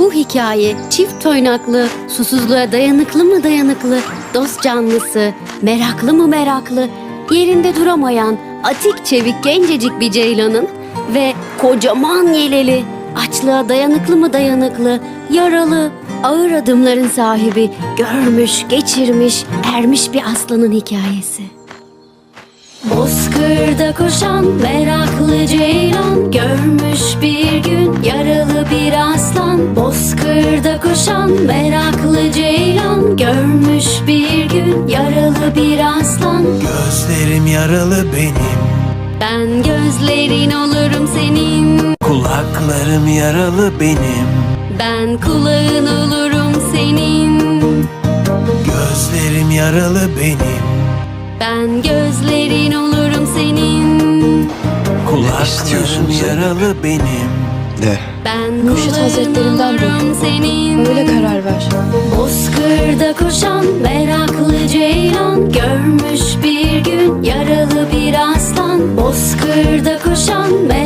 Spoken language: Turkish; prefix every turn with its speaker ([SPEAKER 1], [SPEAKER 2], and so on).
[SPEAKER 1] Bu hikaye çift toynaklı, susuzluğa dayanıklı mı dayanıklı, dost canlısı, meraklı mı meraklı, yerinde duramayan, atik çevik gencecik bir ceylanın ve kocaman yeleli, açlığa dayanıklı mı dayanıklı, yaralı, ağır adımların sahibi, görmüş, geçirmiş, ermiş bir aslanın hikayesi. Bozkırda koşan meraklı ceylan, görmüş bir gün yaralı bir aslan. Bozkırda koşan meraklı ceylan, görmüş bir gün yaralı bir aslan.
[SPEAKER 2] Gözlerim yaralı benim,
[SPEAKER 1] Ben gözlerin olurum senin.
[SPEAKER 2] kulaklarım yaralı benim.
[SPEAKER 1] Ben kulağın olurum senin.
[SPEAKER 2] Gözlerim yaralı benim,
[SPEAKER 1] Ben gözlerin olurum senin.
[SPEAKER 2] kulaklarım yaralı benim.
[SPEAKER 3] De.
[SPEAKER 1] Ben
[SPEAKER 4] Mürşit
[SPEAKER 1] kulağın
[SPEAKER 4] Hazretlerinden
[SPEAKER 1] olurum
[SPEAKER 4] duydum.
[SPEAKER 1] senin.
[SPEAKER 4] Öyle karar ver.
[SPEAKER 1] Bozkırda koşan meraklı ceylan, görmüş bir gün yaralı bir aslan. Bozkırda koşan meraklı